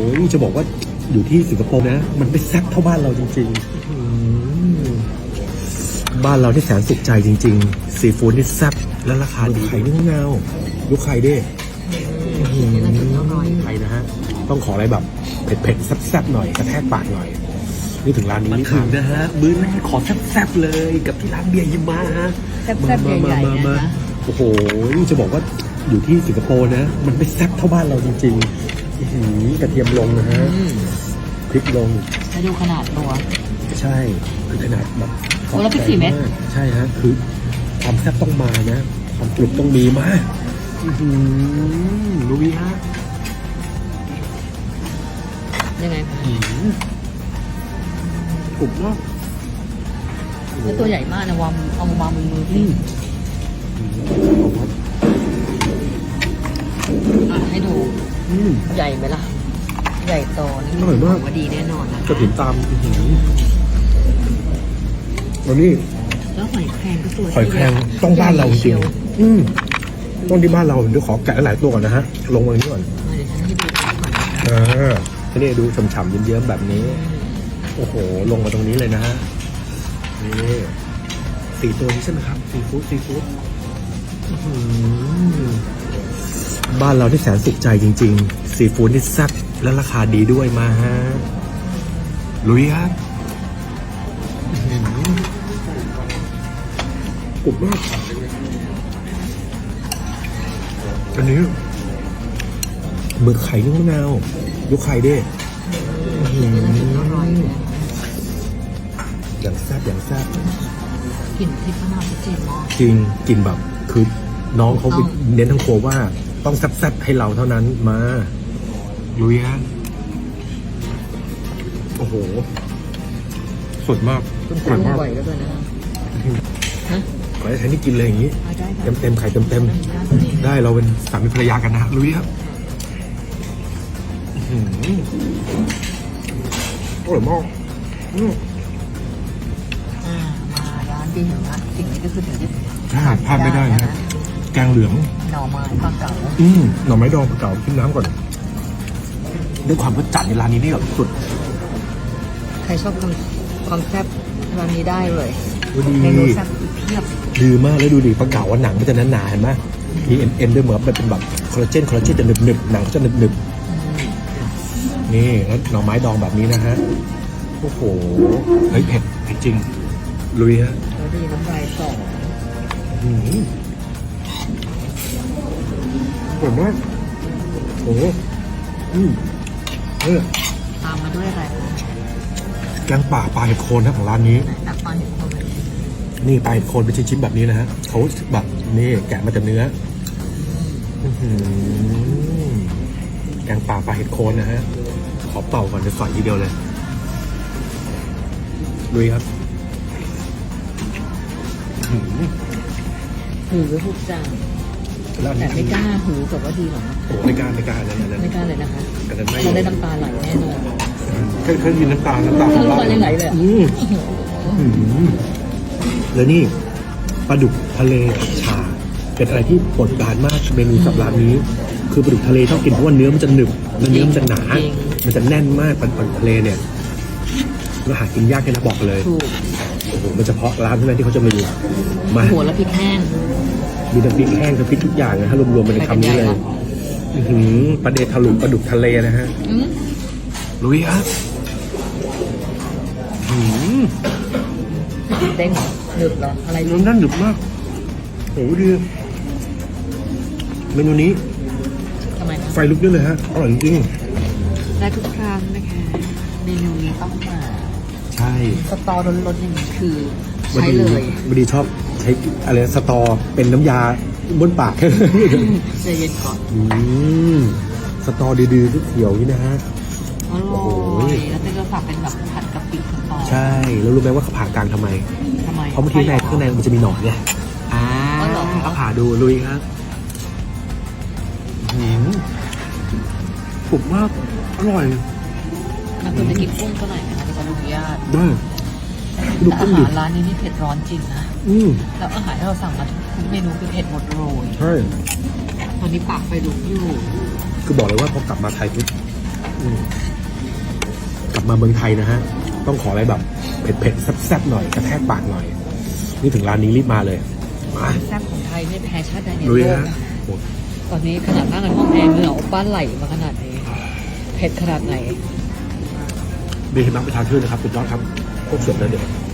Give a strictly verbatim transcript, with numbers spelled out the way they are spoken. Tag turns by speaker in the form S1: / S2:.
S1: จะบอกว่าอยู่ที่สิงคโปร์นะมันไม่แซ่บเท่าบ้านเราจริงๆบ้านเราที่แสนสุขใจจริงๆซีฟู้ดนี่แซ่บและราคาดีไข่นึ่งเงาลูกไข่ดิไข่นะฮะต้องขออะไรแบบเผ็ดๆแซ่บๆหน่อยกระแทกปากหน่อยนี่ถึงร้านนี้นี่ถึงนะฮะมื้อแรกขอแซ่บๆเลยกับที่ร้านเบียร์ยิมมาฮะ
S2: แซ่บๆใหญ่ๆนะคะ
S1: โอ้โหจะบอกว่าอยู่ที่สิงคโปร์นะมันไม่แซ่บเท่าบ้านเราจริงๆกระเทียมลงนะฮะพริกลง
S2: ให้ดูขนาดตัว
S1: ใช่คือขนาดแบบ
S2: โอ้แล้วพริกสี่เม็ด
S1: ใช่ฮะคือความแซ่บต้องมานะความกรุบต้องมีมากรู้ไหมฮะ
S2: ยังไงคะ
S1: กรุบมาก
S2: แล้วตัวใหญ่มากนะวางเอามาวางบนมือพี่อ่ะให้ดูใหญ่ไหมล่ะ ใหญ่โตนี่ถือว่าดีแน่นอนนะ
S1: กระถิ่นตามวันนี้
S2: แล้วหอยแครงก็ตัว
S1: หอยแครงต้องบ้านเราจริงๆอืมต้องที่บ้านเราเดี๋ยวขอแกะหลายตัวก่อนนะฮะลงมานี้ก่อน
S2: เดี๋ยวฉันให้ดูก่อนนะ
S1: อ่าทีนี้ดูฉ่ำๆเยิ้มๆแบบนี้โอ้โหลงมาตรงนี้เลยนะฮะนี่สี่ตัวนี้ใช่ไหมครับซีฟู้ดซีฟู้ดบ้านเราที่แสนสุขใจจริงๆซีฟู้ดนี่แซ่บและราคาดีด้วยมาฮะลุยครับกรุบมากอันนี้หมึกไข่นึ่งมะนาวลูกไข่ดิ
S2: อร่อยนะ
S1: อย่างแซ่บอย่างแซ่บ
S2: กลิ่นพริกมะนาวชัดเจนมาก
S1: จริงกินแบบคือน้องเขาไปเน้นทั้งครัวว่าต้องแซ่บๆให้เราเท่านั้นมาลุยฮะโอ้โหสดมาก
S2: คุณ
S1: อร่อย
S2: ทำ
S1: มาก
S2: บ่อยแล้วด้วยนะฮะ
S1: ขอให้ใช้นี่กินเลยอย่างนี้
S2: เอาได้
S1: เต็มเต็มๆไข่เต็มเต็มๆได้เราเป็นสามีภรรยากันนะลุยครับอื้อหืออร่อยมากอืม
S2: อ่ามาร้านดีเห็นไหมสิ่งนี้ก็คือถึงที่
S1: ใช่พลาดไม่ได้นะแกงเหลือง
S2: หน่อไม้ปลาเก๋า
S1: อืมหน่อไม้ดองเก่าขึ้นน้ำก่อนด้วยความรสจัดในร้านนี้นี่แบบสุด
S2: ใครชอบความความแซ่บร้านนี้ได้เลย
S1: ดี
S2: เมนูแซ่บเพียบ
S1: ดีมากแล้วดูดิปลาเก๋าว่าหนังมันจะหนาๆเห็นไหมมีเอ็นเอ็นด้วยเหมือนมันเป็นแบบคอลลาเจนคอลลาเจนจะหนึบหนึบๆหนังเขาจะหนึบหนึบๆนี่แล้วหน่อไม้ดองแบบนี้นะฮะโอ้โหเฮ้ยเผ็ดเผ็ดจริงลุยฮะ
S2: แล้วดีน้ำลายสอง
S1: อืมอร่อยมากโอ้โหอืมเออ
S2: ตามมาด้วยอะไร
S1: แกงป่าปลาเห็ดโคนนะของร้านนี้
S2: ตักปลาเห็ดโคนเลย
S1: นี่ปลาเห็ดโคนเป็นชิ้นๆแบบนี้นะฮะเขาแบบนี่แกะมาจากเนื้ออื้อหือแกงป่าปลาเห็ดโคนนะฮะขอเป่าก่อนจะใส่ทีเดียวเลยลุยครับอื้อหือ
S2: หือทุกจาน
S1: แล้วอัน
S2: แต่
S1: นี้
S2: ไม่กล้าหือกับว่าดีหรอกนะ
S1: โอ้ไม่กล้าไม่กล้าเลยนะ
S2: ไม่กล้าเลยนะคะ
S1: แต่นั้นไม่
S2: เราได้น้ำตาไหลแน่นอน
S1: เคยเคยมีน้ำตาลน้ำตาล
S2: น้ำตายังไหลเลยอะ
S1: อืมอื้อหือแล้วนี่ปลาดุกทะเลชาเป็นอะไรที่โปรดปรานมากเมนูสับร้านนี้ คือปลาดุกทะเลชอบกินเพราะว่าเนื้อมันจะหนึบและเนื้อมันจะหนา มันจะแน่นมากปลาปลาดุกทะเลเนี่ยเราหากินยากแค่นะบอกเลย
S2: ถูก
S1: โอ้โหมันเฉพาะร้านเท่านั้นที่เขาจะมีมา
S2: หัวแล้วพริกแห้ง
S1: มีน้ำพริกแห้งน้ำพริกทุกอย่างนะฮะรวมๆไปในคำนี้เลยอื้อหือปลาเดทะลุปลาดุกทะเลนะฮะ
S2: อืม
S1: ลุยครับอื้อหือ
S2: เด้งเหรอหนึบเหรออะไร
S1: น้ำนั่นหนึบมากโอ้โหดีเมนูนี้
S2: ทำไมนะ
S1: ไฟลุกได้เลยฮะอร่อยจริง
S2: ได้ทุกครั้งนะคะเมนูนี้ต้องมา
S1: ๆใช่
S2: สตอร้อนๆอย่างนี้คือ
S1: วัน
S2: ใช้
S1: ดี
S2: เลย
S1: วันดีชอบใช้อะไรสตอเป็นน้ำยาบนปาก
S2: ใจเย็นก่อน
S1: อืมสตอดื้อๆเขียวๆนี่นะฮะ
S2: อร่
S1: โอ้โห
S2: อยแล้วเต้ก็ฝากเป็นแบบผัดกะปิสตอ
S1: ใช่แล้วรู้ไหมว่าเขาผ่ากลางทำไม
S2: ทำไม
S1: เพราะบางทีในข้างในมันจะมีหนอนไงอ่า
S2: อ๋อเหรอ
S1: เอาผ่าดูลุยครับหืมกรุบมากอร่อย
S2: มันควรจะกินกุ้งก็หน่อยนะคะที่เขาอนุญาต
S1: ได้ดู
S2: แต่
S1: กุ้
S2: อาง
S1: ดิ
S2: หารร้านนี้นี่เผ็ดร้อนจริงนะ
S1: อืม
S2: แล้วอาหารที่เราสั่งมาทุกเมนูคือเผ็ดหมดเลย
S1: ใช่
S2: ตอนนี้ปากไฟลุกอยู่
S1: คือบอกเลยว่าพอกลับมาไทยปุ๊บอืมลับมาเมืองไทยนะฮะ ต้องขออะไรแบบเผ็ดๆแซ่บๆหน่อยกระแทกปากหน่อย นี่ถึงร้านนี้รีบมาเลย มา
S2: แซ่บของไทยไม่แพ้ชาติใดใน
S1: ลุ
S2: โล
S1: ย
S2: ก
S1: ฮะ
S2: นะ
S1: โอ้
S2: ตอนนี้ขนาดนั่งในห้องแอร์เหงื่อออกบ้านไหลมาขนาดนี้เผ็ดขนาดไหน
S1: มีเห็นน้ำประชาชื่นนะครับสุดยอดครับโคตรสดเลยเดี๋ยว